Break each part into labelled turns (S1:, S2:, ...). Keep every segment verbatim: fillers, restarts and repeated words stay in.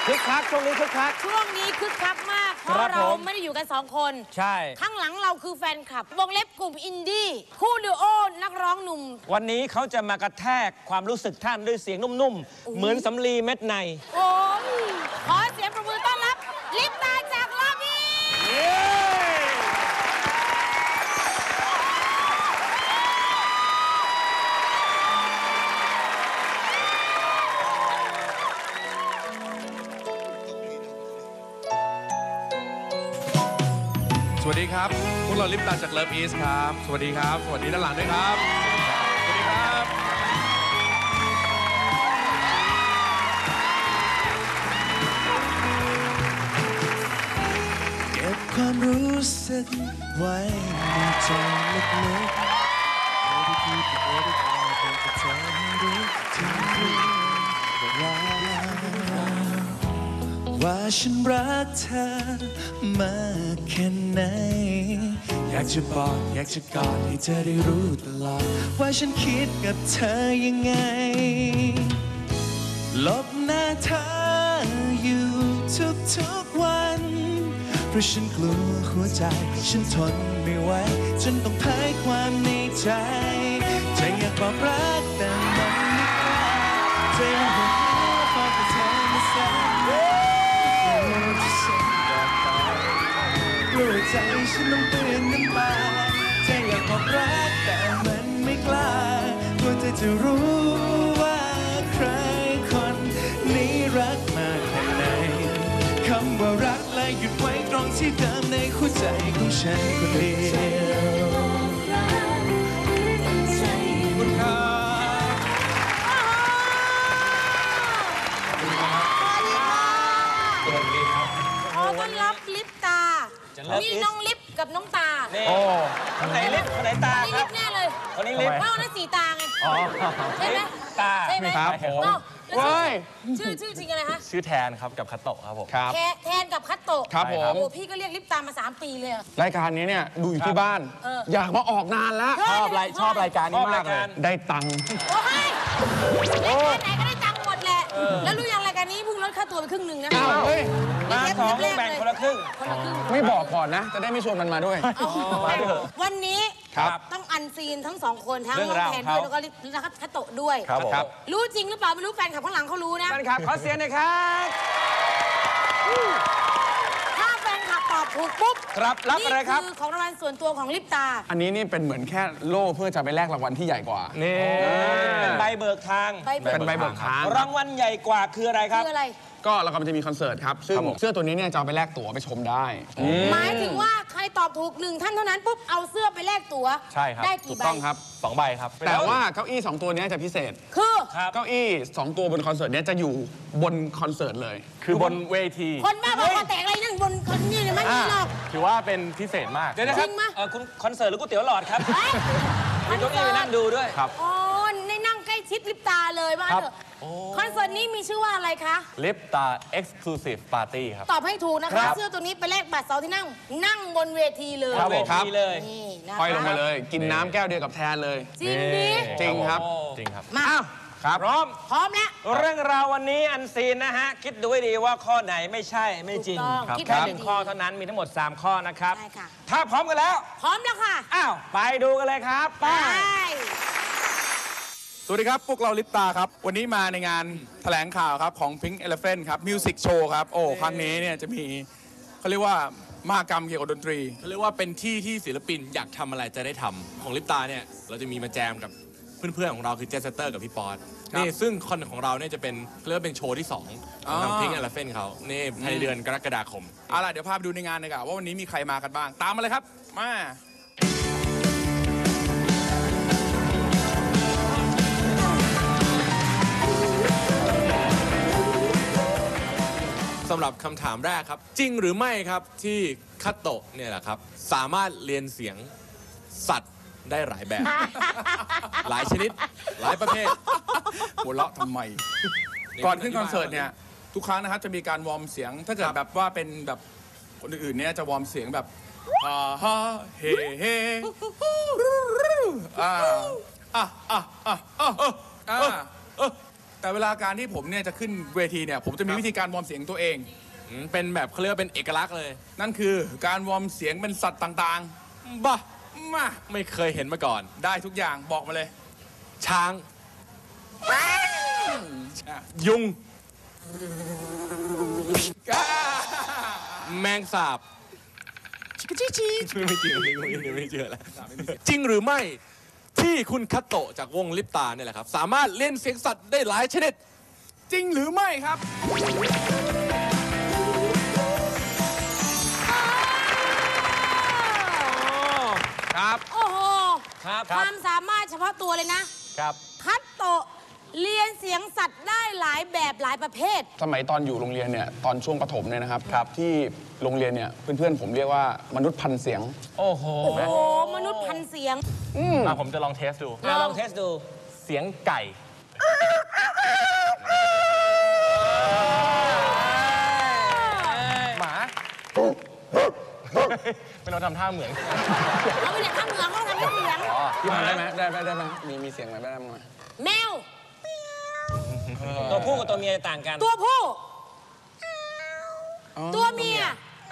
S1: คึกคักช่วงนี้คึกคัก
S2: ช่วงนี้คึกคักมากเพราะเราไม่ได้อยู่กันสองคน
S1: ใช่
S2: ข้างหลังเราคือแฟนคลับวงเล็บกลุ่มอินดี้คู่ดูโอนักร้องหนุ่ม
S1: วันนี้เขาจะมากระแทกความรู้สึกท่านด้วยเสียงนุ่มๆเหมือนสำลีเม็ดใน
S2: โอ้ขอเสียงปรบมือต้อนรับลิปตาจากลาบี
S3: สวัสดีครับพวกเราลิปตาจากเลิฟอีสครับสวัสดีครับสวัสดีด้านหลังด้วยครับสวัสดีครับ
S4: เก็บความรู้สึกไว้ในใจลึกๆไม่ได้พูดกับไม่ได้กล่าวแต่กับเธอให้รู้ถึงเรื่องราวว่าฉันรักเธอมากแค่ไหนอยากจะบอกอยากจะกอดให้เธอได้รู้ตลอดว่าฉันคิดกับเธอยังไงลบหน้าเธออยู่ทุกๆวันเพราะฉันกลัวหัวใจฉันทนไม่ไหวจนต้องเผยความในใจใจอยากบอกรักแต่มันไม่กล้าใจมันหดหู่พอแต่เธอมาแสนกลัวใจฉันต้องเปลี่ยนน้ำตาใจอยากบอกรักแต่มันไม่กล้ากลัวเธอจะรู้ว่าใครคนนี้รักมากแค่ไหนคำว่ารักและหยุดไว้ตรงที่เดิมในหัวใจของฉันคนเดียวคุณครับ
S2: ขอต้อนรับลิปตามีน้องลิปกับน้องตา
S1: โอ้คนไหนลิปคนไหนตา
S2: ครับลิปแน่เลย
S1: คนนี้ลิป
S2: เพราะนั่นสีตาไงใช่ไหม
S1: ตา
S2: ใช่ไหม
S1: ครับผม
S2: ชื่อชื่อจริงอะไรฮะ
S5: ชื่อแทนครับกับคัตโตะครับผม
S1: ครับ
S2: แทนกับคัตโตะ
S3: ครับผม
S2: โอ้พี่ก็เรียกลิปตามาสามปีเลย
S3: รายการนี้เนี่ยดูอยู่ที่บ้านอยากมาออกนานแล้ว
S5: ชอบรายชอบรายการนี้มากเลย
S3: ได้ตังค์
S2: โอ้ยรายการไหนก็ได้ตังค์หมดแหละแล้วรู้ยังรายการนี้เพิ่งลดค่าตัวไปครึ่งหนึ่งนะ
S3: เฮ้ย
S1: มาสองแบ่งคนละครึ่ง
S3: ไม่บอกก่อนนะจะได้ไม่ชวนมันมาด้วย
S2: วันนี้ต้องอันซีนทั้งสองคนทั้งน้องแทนด้วยแล้วก็ลิปคัตโตะด้วยรู้จริงหรือเปล่าไม่รู้แฟนคลับข้างหลังเขารู้นะ
S1: แฟนคลับขอเสียงหน่อยครับ
S2: ถ้าแฟนคลับตอบถูกปุ๊บ
S1: ครับรับอะไรครับ
S2: นี่คือของรางวัลส่วนตัวของลิปตา
S3: อันนี้นี่เป็นเหมือนแค่โล่เพื่อจะไปแลกรางวัลที่ใหญ่กว่า
S1: นี่เป็นใบเบิกทาง
S3: เป็นใบเบิกทาง
S1: รางวัลใหญ่กว่าคืออะไรครับ
S2: คืออะไร
S3: ก็เรากำลังจะมีคอนเสิร์ตครับซึ่งเสื้อตัวนี้เนี่ยจะเอาไปแลกตั๋วไปชมได้
S2: หมายถึงว่าใครตอบถูกหนึ่งท่านเท่านั้นปุ๊บเอาเสื้อไปแลกตั๋ว
S5: ใช่ครับ
S2: ได้กี่ใบ
S3: ต้องครับ
S5: สองใบครับ
S3: แต่ว่าเก้าอี้สองตัวนี้จะพิเศษ
S2: คือ
S3: เก้าอี้สองตัวบนคอนเสิร์ตนี้จะอยู่บนคอนเสิร์ตเลย
S5: คือบนเวที
S2: คนบ้าบอคอแตกอะไรนั่งบนคอนนี่เลยไม่มีหรอก
S5: ถือว่าเป็นพิเศษมาก
S1: เดี๋ยวนะครับคุณคอนเสิร์ตหรือก๋วยเตี๋ยวหลอดครับมีเก้าอี้ไปนั่งดูด้วย
S5: ครับ
S2: อ๋อในนั่งใกล้ชิดลิปตาเลยว่าเถอะคอนเสิร์ตนี้มีชื่อว่าอะไรคะ
S5: ลิปตา Exclusive Party ครับ
S2: ตอบให้ถูกนะคะเสื้อตัวนี้ไปแลกบัตรเสาที่นั่งนั่งบนเวทีเลย
S1: เวทีเลย
S3: ค่อยลงมาเลยกินน้ำแก้วเดียวกับแทนเลย
S2: จริงดิ
S3: จริงครับ
S5: จริงครับ
S2: มา
S1: ครับพร้อม
S2: พร้อมแล้ว
S1: เรื่องราววันนี้อันซีนนะฮะคิดดูให้ดีว่าข้อไหนไม่ใช่ไม่จริงแค่หนึ่งข้อเท่านั้นมีทั้งหมดสามข้อนะครับถ้าพร้อมกันแล้ว
S2: พร้อมแล้วค่ะ
S1: อ้าวไปดูกันเลยครับไป
S3: สวัสดีครับพวกเราลิปตาครับวันนี้มาในงานแถลงข่าวครับของ Pink Elephant ครับมิวสิกโชว์ครับโอ้ครั้งนี้เนี่ยจะมีเขาเรียกว่ามหกรรมเกี่ยวกับดนตรี
S6: เขาเรียกว่าเป็นที่ที่ศิลปินอยากทำอะไรจะได้ทำของลิปตาเนี่ยเราจะมีมาแจมกับเพื่อนๆของเราคือเจสเตอร์กับพี่ป๊อตนี่ซึ่งคอนของเราเนี่ยจะเป็นเรียกว่าเป็นโชว์ที่สองของทาง Pink Elephant เขานี่ในเดือนกรกฎาคม
S3: เอาล่ะเดี๋ยวพาไปดูในงานเลยครับว่าวันนี้มีใครมากันบ้างตามมาเลยครับมา
S6: สำหรับคำถามแรกครับจริงหรือไม่ครับที่คัตโตะเนี่ยแหละครับสามารถเรียนเสียงสัตว์ได้หลายแบบ หลายชนิดหลายประเภท
S3: หัวเราะทำไมก่อนขึ้นคอนเสิร์ตเนี่ยทุกครั้งนะครับจะมีการวอร์มเสียงถ้าเกิดแบบว่าเป็นแบบคนอื่นๆเนี่ยจะวอร์มเสียงแบบอ่าฮะเฮ่เฮ่อ่าอ่ะอ่ะอ่ะอ่ะอ่ะแต่เวลาการที่ผมเนี่ยจะขึ้นเวทีเนี่ยผมจะมีวิธีการวอร์มเสียงตัวเอง
S6: อืมเป็นแบบเขาเรียกว่าเป็นเอกลักษณ์เลย
S3: นั่นคือการวอร์มเสียงเป็นสัตว์ต่าง
S6: บ้า
S3: ๆ มา
S6: ไม่เคยเห็นมาก่อน
S3: ได้ทุกอย่างบอกมาเลย
S6: ช้าง ยุง แมงสาบชิคชิชิไม่จริงไม่จริงไม่เชื่อแล้วจริงหรือไม่ที่คุณคัตโตะจากวงลิปตาเนี่ยแหละครับ สามารถเล่นเสียงสัตว์ได้หลายชนิด
S3: จริงหรือไม่ครับ
S1: ครับ
S2: โอ้โห
S1: ครับ
S2: ความสามารถเฉพาะตัวเลยนะครับ คัตโตะเรียนเสียงสัตว์ได้หลายแบบหลายประเภท
S7: สมัยตอนอยู่โรงเรียนเนี่ยตอนช่วงประถมเนี่ยนะครับครับที่โรงเรียนเนี่ยเพื่อนๆผมเรียกว่ามนุษย์พันเสียง
S1: โอ้โห
S2: โอ้โห มนุษย์พันเสียง
S5: อ่ะผมจะลองเทสดู
S1: อ่ะลองเทสดู
S5: เสียงไก่ หมา ไม่ต้องทำท่าเหมือน
S2: เขาไปเรียนทำเหมืองเขาทำให้เสียง
S7: พี่พันได้ไหมได้ไหมได้ไหมมีมีเสียงอะไรได้บ้างไหม
S2: แมว
S1: ตัวผู้กับตัวเมียจะต่างกัน
S2: ตัวผู้ ตัวเมีย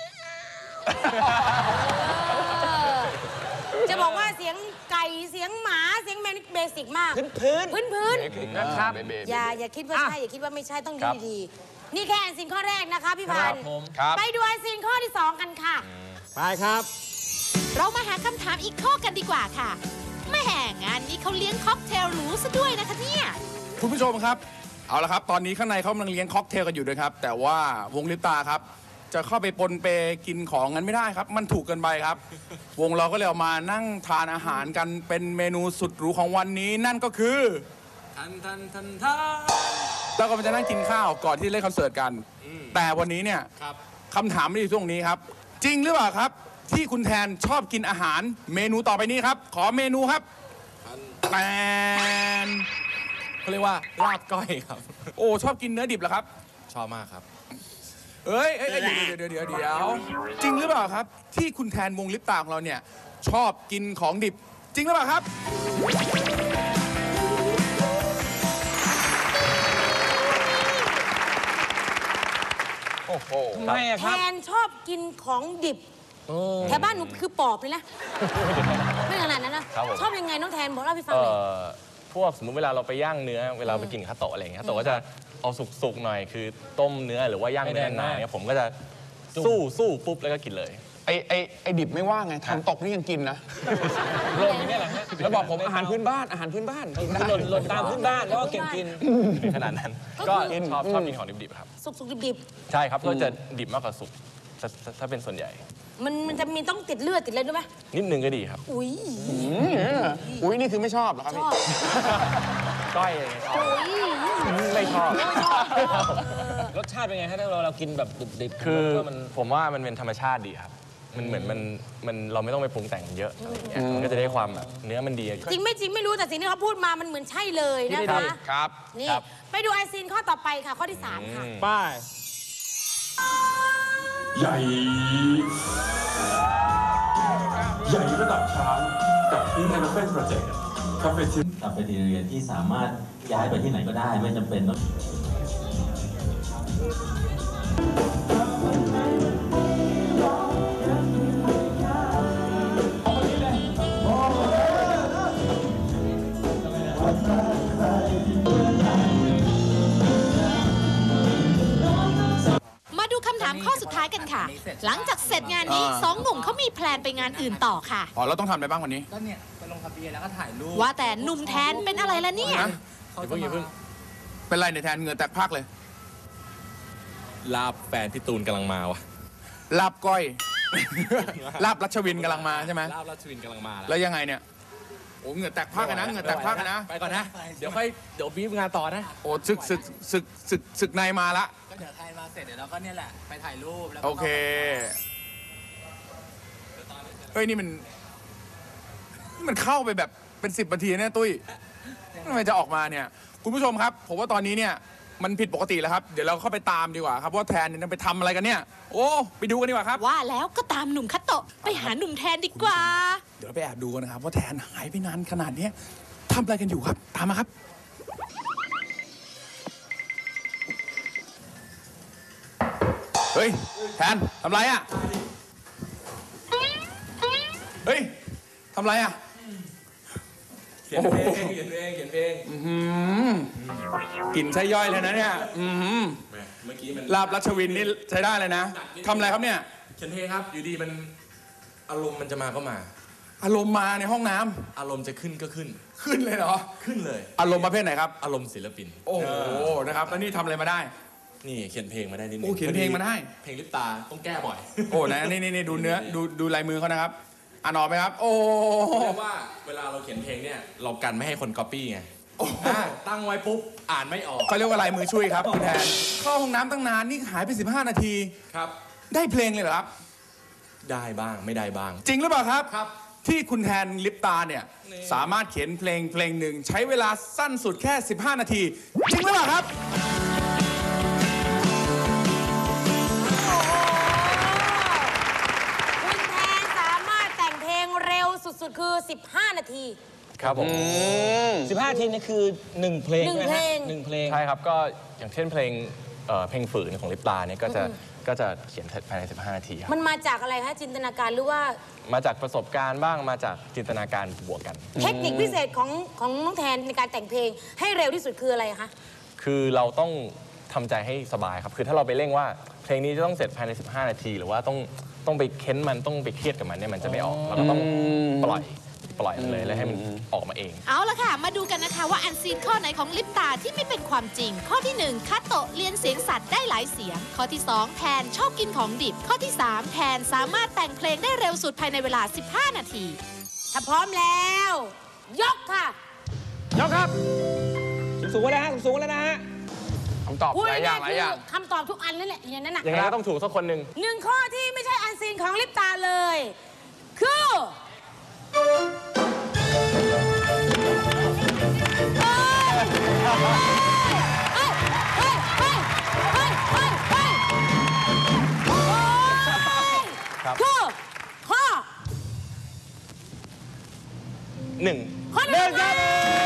S2: จะบอกว่าเสียงไก่เสียงหมาเสียงแมวนี่เบสิกมาก
S1: พื้นพื้น
S2: พื้นพื้น
S1: นะครับ
S2: อย่าอย่าคิดว่าใช่อย่าคิดว่าไม่ใช่ต้องดูดีๆนี่แค่อันซีนข้อแรกนะคะพี่พันธุ์
S7: ครับ
S2: ไปดูอันซีนข้อที่สองกันค่ะ
S1: ไปครับ
S8: เรามาหาคำถามอีกข้อกันดีกว่าค่ะแม่งานนี้เขาเลี้ยงค็อกเทลหรูซะด้วยนะคะเนี่ย
S3: คุณผู้ชมครับ เอาละครับ ตอนนี้ข้างในเขากำลังเลี้ยงค็อกเทลกันอยู่ด้วยครับ แต่ว่าวงลิปตาครับ จะเข้าไปปนเปกินของงั้นไม่ได้ครับ มันถูกเกินไปครับ วงเราก็เลยเอามานั่งทานอาหารกันเป็นเมนูสุดหรูของวันนี้นั่นก็คือ
S6: ทันทันทันทัน
S3: เราก็จะนั่งกินข้าวก่อนที่เล่นคอนเสิร์ตกัน แต่วันนี้เนี่ย
S6: ครับ
S3: คำถามไม่ได้อยู่ตรงนี้ครับ จริงหรือเปล่าครับ ที่คุณแทนชอบกินอาหารเมนูต่อไปนี้ครับ ขอเมนูครับแปน
S6: เขาเรียกว่าลาบก้อยครับ
S3: โอ้ชอบกินเนื้อดิบเหรอครับ
S6: ชอบมากครับ
S3: เอ้ยเอ้ยเอ้ยเดี๋ยวเดี๋ยวเดี๋ยวเดี๋ยวจริงหรือเปล่าครับ ที่คุณแทนวงลิปตาของเราเนี่ยชอบกินของดิบ จริงหรือเปล่าครับ
S7: โอ้โห
S1: ทำไมอะ
S2: แท
S1: ครับ
S2: นชอบกินของดิบแถวบ้านหนูคือปอบเลยนะ ไม่ขนาดนั้นนะครับ
S5: ผม
S2: ชอบยังไงน้องแทนบอกเล่าให้ฟัง
S5: เอ่
S2: หน่อย
S5: อพวกสมมุติเวลาเราไปย่างเนื้อ เวลาไปกินข้าวโตะอะไรอย่างเงี้ยข้าวโตะก็จะเอาสุกๆหน่อย คือต้มเนื้อหรือว่าย่างเนื้อนานๆเนี่ยผมก็จะสู้สู้ปุ๊บแล้วก็กินเลย
S7: ไอไอไอดิบไม่ว่าไงทำตกนี่ยังกินนะ
S1: โลกนี้แหละฮะ
S7: แล้วบอกผมอาหารพื้นบ้านอาหารพื้นบ้านกินได้
S1: หล่นหล่นตามพื้นบ้านแล้วก็เก่งกิน
S5: ถึงขนาดนั้น
S2: ก็
S5: ก็
S2: คือ
S5: ชอบชอบกินของดิบๆครับ
S2: สุกๆดิบ
S5: ใช่ครับก็จะดิบมากกว่าสุกถ้าถ้าถ้าเป็นส่วนใหญ่
S2: ๆมันมันจะมีต้องติดเลือดติดอะไรด้วยไหม
S5: นิดนึงก็ดีครับ
S2: อุ้ย
S7: อืมอุ้ยนี่คือไม่ชอบเหรอครับ
S2: ช
S7: พี่
S2: อบ
S5: ก้อยอะไรอย่างเงี้ยชอบ
S2: อุ้ย
S5: ไม่ชอบ
S1: รสชาติเป็นไงฮะถ้าเราเรากินแบบดิบๆ
S5: คือ
S1: ผมว่ามัน
S5: ผมว่ามันเป็นธรรมชาติดีครับ มันเหมือนมันมันเราไม่ต้องไปปรุงแต่งเยอะอะไรอย่างเงี้ยมันก็จะได้ความแบบเนื้อมันดี
S2: จริงไม่จริงไม่รู้แต่สิ่งที่เขาพูดมามันเหมือนใช่เลยนะคะ
S7: ครับ
S2: นี่
S5: ครับ
S2: ไปดูไอซีนข้อต่อไปค่ะ ข้อที่สามค่ะ
S1: ป้าย
S9: ใหญ่ ใหญ่ระดับช้างกับที่ในนักเต้นโปรเจกต์คาเฟ่ชิ
S10: กับเป็นเรียนที่สามารถย้ายไปที่ไหนก็ได้ไม่จำเป็นต้อง
S8: มาดูคำถามข้อสุดท้ายกันค่ะ หลังจากเสร็จงานนี้สองหนุ่มเขามีแพลนไปงานอื่นต่อค่ะ
S3: อ๋อเราต้องทำอะไรบ้างวันนี้
S11: ก็เนี่ยไปลงทะเบียนแล้วก็ถ่ายรูป
S8: ว่าแต่หนุ่มแทนเป็นอะไรล่ะเนี่ย
S3: ฮะ
S11: เขาจะมา
S3: เป็นไรเนี่ยแทนเหงื่อแตกพรากเลย
S6: ลาบแฟนพี่ตูนกำลังมาวะ
S3: ลาบก้อย ลาบรัชวินกำลังมาใช่ไหม
S6: ลาบราชวินกำลังมาแล้ว
S3: แล้วยังไงเนี่ย โอ้เหงื่อแตกพรากกันนะเหงื่อแตกพรากกันนะ
S6: ไปก่อนนะ เดี๋ยวค่อยเดี๋ยวบีบงานต่อนะ
S3: โอ้ศึกศึกศึกศึกศึกในมาละ
S11: ก็เดี๋ยวถ่ายมาเสร็จเดี๋ยวเราก็เนี่ยแหละ ไปถ่ายรูปแล้วก็
S3: โอเค เฮ้ย นี่มันนี่มันเข้าไปแบบเป็นสิบนาทีเนี่ยตุ้ยทำไมจะออกมาเนี่ย คุณผู้ชมครับ ผมว่าตอนนี้เนี่ย มันผิดปกติแล้วครับ เดี๋ยวเราเข้าไปตามดีกว่าครับว่าแทนเนี่ยไปทำอะไรกันเนี่ย โอ้ ไปดูกันดีกว่าครับ
S8: ว่าแล้วก็ตามหนุ่มคัตโตะไปหาหนุ่มแทนดีกว่า
S3: เดี๋ยวเราไปแอบดูกันนะครับ ว่าแทนหายไปนานขนาดเนี้ยทำอะไรกันอยู่ครับ ตามมาครับฮ้ยแทนทำไรอ่ะเฮ้ยทำไรอ่ะ
S6: เขียนเพลงเขียนเพลงเขียนเพลง
S3: กลิ่นใช้ย่อยเลยนะเนี่ย
S6: เมื่อกี้มัน
S3: ลาบรัชวินนี่ใช้ได้เลยนะทำอะไรครับเนี่ย
S6: เขียนเพลงครับอยู่ดีมันอารมณ์มันจะมาก็มา
S3: อารมณ์มาในห้องน้ำ
S6: อารมณ์จะขึ้นก็ขึ้น
S3: ขึ้นเลยเหรอ
S6: ขึ้นเลย
S3: อารมณ์ประเภทไหนครับ
S6: อารมณ์ศิลปิน
S3: โอ้โหนะครับแล้วนี่ทำอะไรมาได้
S6: นี่เขียนเพลงมาได้นิดนึง
S3: โอ้เขียนเพลงมาได้
S6: เพลงลิปตาต้องแก้บ่อย
S3: โอ้นะนี่นี่ดูเนื้อดูดูลายมือเขานะครับอ่านออกไหมครับโอ้
S6: เรียกว่าเวลาเราเขียนเพลงเนี่ยเรากันไม่ให้คนก๊อปปี้ไงตั้งไว้ปุ๊บอ่านไม่ออก
S3: เขาเรียกว่าลายมือช่วยครับคุณแทนเข้าห้องน้ำตั้งนานนี่หายไปสิบห้านาที
S6: ครับ
S3: ได้เพลงเลยเหรอครับ
S6: ได้บ้างไม่ได้บ้าง
S3: จริงหรือเปล่าครับ
S6: ครับ
S3: ที่คุณแทนลิปตาเนี่ยสามารถเขียนเพลงเพลงหนึ่งใช้เวลาสั้นสุดแค่สิบห้านาทีจริงหรือเปล่าครับ
S2: คุณแทนสามารถแต่งเพลงเร็วสุดๆคือสิบห้านาที
S5: ครับผม
S1: สิบห้านาทีนี่คือหนึ่งเพลง
S2: หนึ่งเพลง
S1: หนึ่งเพลง
S5: ใช่ครับก็อย่างเช่นเพลงเพลงฝืนของลิปตาเนี่ยก็จะก็จะเขียนภายในสิบห้านาทีครับ
S2: มันมาจากอะไรคะจินตนาการหรือว่า
S5: มาจากประสบการณ์บ้างมาจากจินตนาการบวกกัน
S2: เทคนิคพิเศษของของน้องแทนในการแต่งเพลงให้เร็วที่สุดคืออะไรคะ
S5: คือเราต้องทำใจให้สบายครับคือถ้าเราไปเร่งว่าเพลงนี้จะต้องเสร็จภายในสิบห้านาทีหรือว่าต้องต้องไปเค้นมันต้องไปเครียดกับมันเนี่ยมันจะไม่ออกเราก็ต้องปล่อยปล่อยมันเลยแล้วให้มันออกมาเอง
S8: เอาละค่ะมาดูกันนะคะว่าอันซีนข้อไหนของลิปตาที่ไม่เป็นความจริงข้อที่หนึ่งคาโตะเรียนเสียงสัตว์ได้หลายเสียงข้อที่สองแทนชอบกินของดิบข้อที่สามแทนสามารถแต่งเพลงได้เร็วสุดภายในเวลาสิบห้านาที
S2: ถ้าพร้อมแล้วยกค่ะ
S1: ยกครับสูงๆแล้วฮะสูงๆแล้วนะฮะ
S3: คำตอบหลายอย่างหลายอย่าง
S2: คำตอบทุกอันนั่นแหละอย่างนั้นน่ะ
S5: ยังไงก็ต้องถูกสักคนหนึ่ง
S2: หนึ่งข้อที่ไม่ใช่อันซีนของลิปตาเลยคือคือข้อ
S5: หนึ่ง
S2: ข้อหนึ่งครับ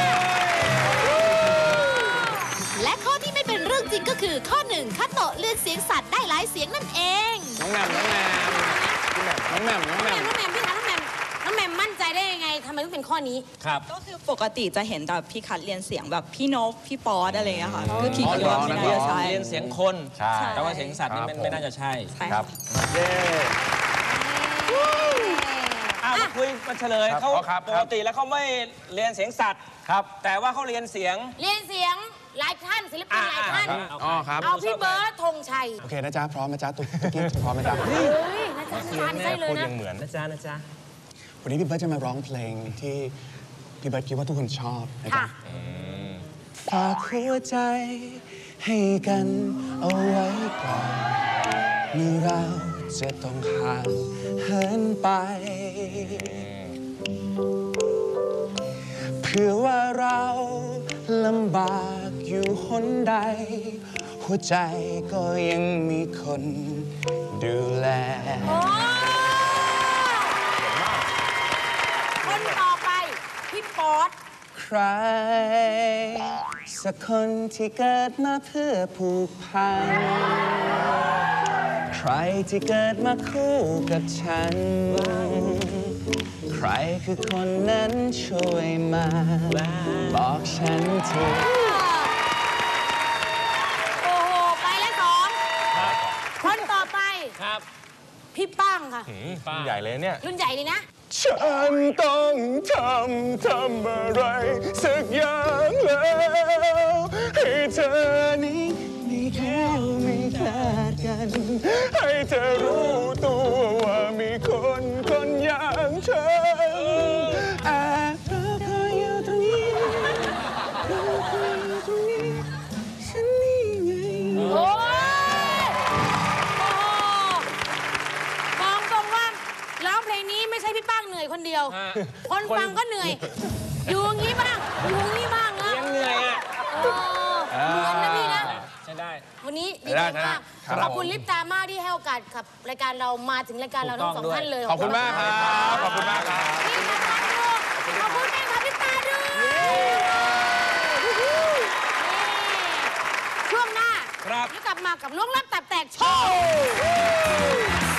S8: และข้อที่ไม่เป็นเรื่องจริงก็คือข้อหนึ่งคาโตะเรียนเสียงสัตว์ได้หลายเสียงนั่นเอง
S3: น้องแหม่มน้องแหม่มน้องแหม่มน้องแหม่ม
S2: น้องแหม่มพี่คะน้องแหม่มน้องแหม่มมั่นใจได้ยังไงทำไมต้องเป็นข้อนี้
S1: ครับ
S12: ก็คือปกติจะเห็นแต่พี่คัดเรียนเสียงแบบพี่นพพี่ป๊อดอะไรอย่างเงี้ยค่ะคือพี่
S1: คิดว่าไม่น่าจะใช่เรียนเสียงคน
S5: ใช่
S1: แต่ว่าเสียงสัตว์นี่ไม่น่าจะใช่
S5: ครับ
S1: เย้อ้าวคุยมาเฉลยเขาปกติแล้วเขาไม่เรียนเสียงสัตว์
S5: ครับ
S1: แต่ว่าเขาเรียนเสียง
S2: เรียนเสียงหลายท่านศิลปินหลายท่าน
S3: อ๋อครับ
S2: เอาพี่เบิร์ดธงชัย
S7: โอเคนะจ๊ะพร้อมนะจ๊ะตุ๊กกิ๊กพร้อมนะจ๊ะ
S2: เฮ้ยนะจ๊ะทานได้เลยนะ
S5: เหมือน
S1: นะจ๊ะนะจ๊ะ
S7: วันนี้พี่เบิร์ดจะมาร้องเพลงที่พี่เบิร์ดคิดว่าทุกคนชอบนะจ๊ะฝากหัวใจให้กันเอาไว้ก่อนเมื่อเราจะต้องห่างเหินไปเพื่อว่าเราลำบากอยู่หนใดหัวใจก็ยังมีคนดูแล
S2: คนต่อไปพี่ป๊อด
S7: ใครสักคนที่เกิดมาเพื่อผูกพันใครที่เกิดมาคู่กับฉันใครคือคนนั้นช่วยมาบอกฉันที
S2: โอ้โหไปแล้วสองคนต่อไป
S1: ครับ
S2: พี่ป้างค่ะ
S5: รุ่นใหญ่เลยเนี่ย
S2: รุ่นใหญ่เลยนะ
S7: ฉันต้องทำทำอะไรสักอย่างแล้วให้เธอนี้ไม่แค่ไม่ขาดกันให้เธอรู้ตัวว่ามีคนคนอย่างฉันแอบรอคอยอยู่ตรงนี้รอคอยอยู่ตรงนี้ฉันนี่ไง
S2: โอ้ยบอกตรงว่าร้องเพลงนี้ไม่ใช่พี่ป้างเหนื่อยคนเดียวคนฟังก็เหนื่อยอยู่งี้บ้างอยู่งี้บ้างนะ
S1: ยังเหนื่อยอ่ะ
S2: เหมือนนะพี่นะ
S1: ใช่ได้
S2: วันนี้ดีใจมากขอบคุณลิปตามากที่ให้โอกาสกับรายการเรามาถึงรายการเราทั้งสองท่านเลย
S3: ขอบคุณมากครับขอบคุณมากครับ
S2: ขอบคุณแม่ครับลิปตาด้วยช่วงหน้า
S1: ครับ
S2: แล้วกลับมากับล้วงลับตับแตกโชว์